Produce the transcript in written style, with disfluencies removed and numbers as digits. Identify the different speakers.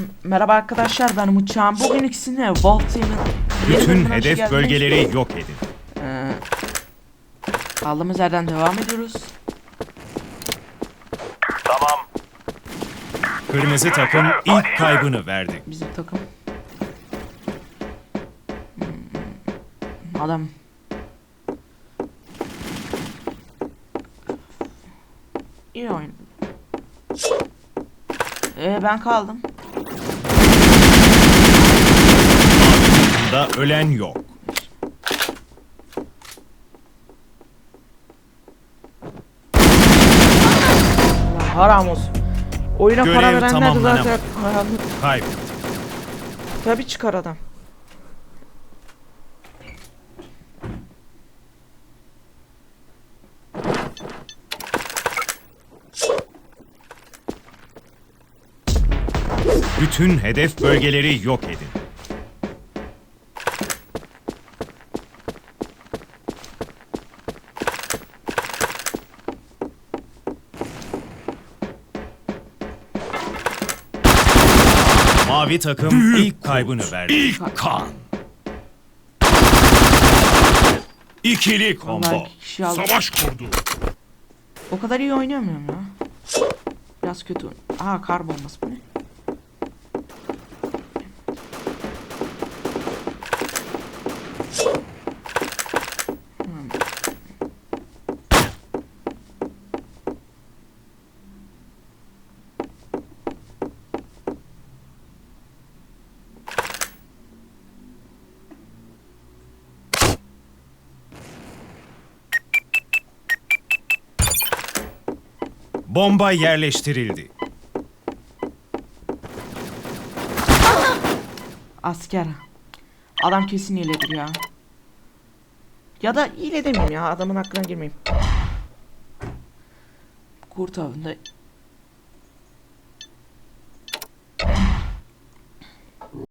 Speaker 1: Merhaba arkadaşlar, ben Uçağım. Bugün ikisini Voltaine'in
Speaker 2: bütün hedef bölgeleri yok edin.
Speaker 1: Kaldığımız yerden devam ediyoruz.
Speaker 3: Tamam.
Speaker 2: Kırmızı takım ilk kaybını verdi.
Speaker 1: Bizim takım. Adam. İyi oyun. Ben kaldım.
Speaker 2: Bunda ölen yok.
Speaker 1: Allah haram olsun. Oyuna
Speaker 2: Görev
Speaker 1: para verenler de
Speaker 2: tamamlanamadı.
Speaker 1: zaten haramlı.
Speaker 2: Kaybetti.
Speaker 1: Tabii çıkar adam.
Speaker 2: Bütün hedef bölgeleri yok edin. Mavi takım ilk kaybını verdi.
Speaker 3: İlk kan. İkili
Speaker 1: Vallahi
Speaker 3: combo.
Speaker 1: iki kişi aldı.
Speaker 3: Savaş kurdu.
Speaker 1: O kadar iyi oynayamıyorum ya. Biraz kötü. Aha, kar bombası bu ne?
Speaker 2: Bomba yerleştirildi.
Speaker 1: Asker. Adam kesin hiledir ya. Ya da hile demeyeyim ya, adamın hakkına girmeyeyim. Kurt avında